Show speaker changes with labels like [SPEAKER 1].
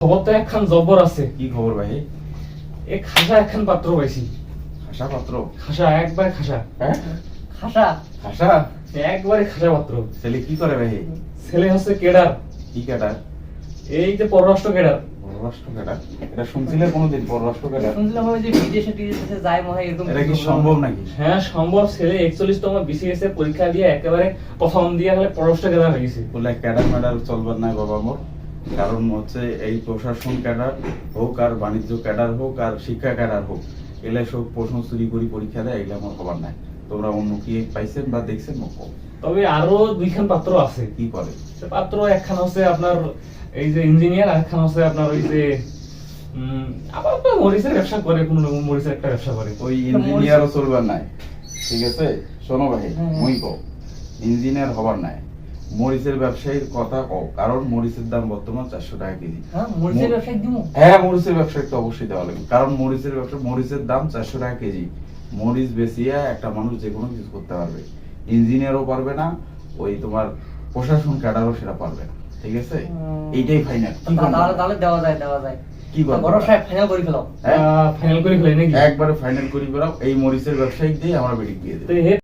[SPEAKER 1] খবর তো একখান জব্বর আছে।
[SPEAKER 2] কি খবর ভাই?
[SPEAKER 1] এ খাসা একখান পাত্র পাইছি।
[SPEAKER 2] খাসা পাত্র?
[SPEAKER 1] খাসা, একবার খাসা।
[SPEAKER 2] হ্যাঁ,
[SPEAKER 3] খাসা
[SPEAKER 2] খাসা।
[SPEAKER 1] একবারে খাসা পাত্র।
[SPEAKER 2] ছেলে কি করে ভাই?
[SPEAKER 1] ছেলে হচ্ছে কেডার,
[SPEAKER 2] কি ক্যাডার?
[SPEAKER 1] এই যে পররাষ্ট্র কেডার।
[SPEAKER 2] পররাষ্ট্র ক্যাডার? এটা শুনছিলে কোনোদিন পররাষ্ট্র ক্যাডার?
[SPEAKER 3] শুনছিলাম ওই যে বিদেশে টিদেশে যায় মনে হয় এরকম।
[SPEAKER 2] এটা কি সম্ভব নাকি?
[SPEAKER 1] হ্যাঁ সম্ভব। ছেলে 41তম বিসিএস এ পরীক্ষা দিয়ে একেবারে প্রথম দিয়ে হলে পররাষ্ট্র কেডার হয়ে গেছে।
[SPEAKER 2] বলে ক্যাডার ম্যাডার চলবার নাই বাবা মোর। কারণ হচ্ছে এই প্রশাসন ক্যাডার হোক আর বাণিজ্য ক্যাডার হোক আর শিক্ষা ক্যাডার হোক, এগুলা সব প্রশ্ন চুরি করি পরীক্ষা দেয়, এগুলা আমার খবর নাই। তোমরা অন্য কি পাইছেন বা দেখছেন?
[SPEAKER 1] তবে আরো দুইখান পাত্র আছে।
[SPEAKER 2] কি করে
[SPEAKER 1] সে পাত্র একখান হচ্ছে আপনার এই যে ইঞ্জিনিয়ার, আর একখান হচ্ছে আপনার ওই যে আবার তো মরিচের ব্যবসা করে, কোন রকম মরিচের একটা ব্যবসা করে।
[SPEAKER 2] ওই ইঞ্জিনিয়ারও চলবার নাই, ঠিক আছে? শোনো ভাই,
[SPEAKER 3] হ্যাঁ।
[SPEAKER 2] মুই কও ইঞ্জিনিয়ার হবার নাই, মরিচের ব্যবসায়ীর কথা কও। কারণ মরিচের দাম বর্তমান 400 টাকা কেজি।
[SPEAKER 3] হ্যাঁ মরিচের ব্যবসায় দিমু।
[SPEAKER 2] হ্যাঁ, মরিচের ব্যবসায়ী তো অবশ্যই দেওয়া লাগবে। কারণ মরিচের ব্যবসা, মরিচের দাম 400 টাকা কেজি। মরিচ বেচিয়া একটা মানুষ যে কোনো কিছু করতে পারবে। ইঞ্জিনিয়ারও পারবে না, ওই তোমার প্রশাসন ক্যাডারও সেটা পারবে না, ঠিক আছে? এইটাই ফাইনাল।
[SPEAKER 3] তাহলে তাহলে দেওয়া যায়, দেওয়া যায়।
[SPEAKER 2] কি করবে?
[SPEAKER 3] বড় সাহেব ফাইনাল করে ফেলাও।
[SPEAKER 1] ফাইনাল করে ফেলে নাকি?
[SPEAKER 2] একবারে ফাইনাল করি বেরাও, এই মরিচের ব্যবসায়িক দিয়ে আমরা বেরিয়ে দিয়ে দেবো।
[SPEAKER 1] তো